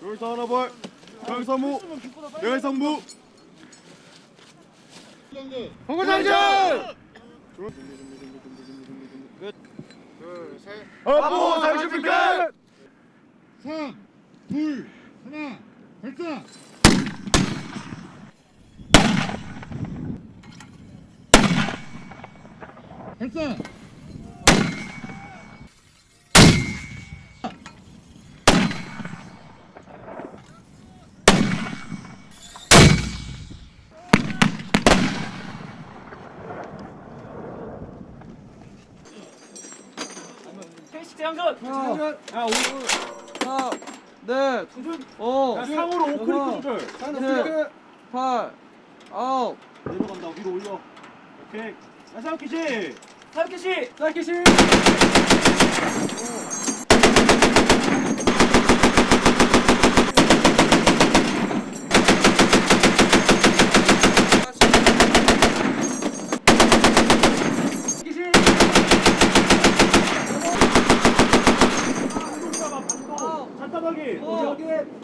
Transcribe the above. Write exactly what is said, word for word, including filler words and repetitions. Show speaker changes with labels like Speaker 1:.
Speaker 1: 돌사 하나 벌. 강사무. 내갈상무.
Speaker 2: 홍구장전!
Speaker 1: 끝.
Speaker 2: 둘, 셋.
Speaker 1: 아부 장신비 끝.
Speaker 2: 삼, 둘, 하나, 발사! 발사!
Speaker 3: 태식 대항전!
Speaker 4: 대항전!
Speaker 3: 야, 오늘
Speaker 4: 하나, 넷,
Speaker 3: 조준!
Speaker 4: 오,
Speaker 3: 야, 상으로 오크리프 조절!
Speaker 4: 칠, 팔, 아홉,
Speaker 3: 내려간다, 위로 올려. 오케이. 야, 사육기시! 사육기시!
Speaker 4: 사이키시!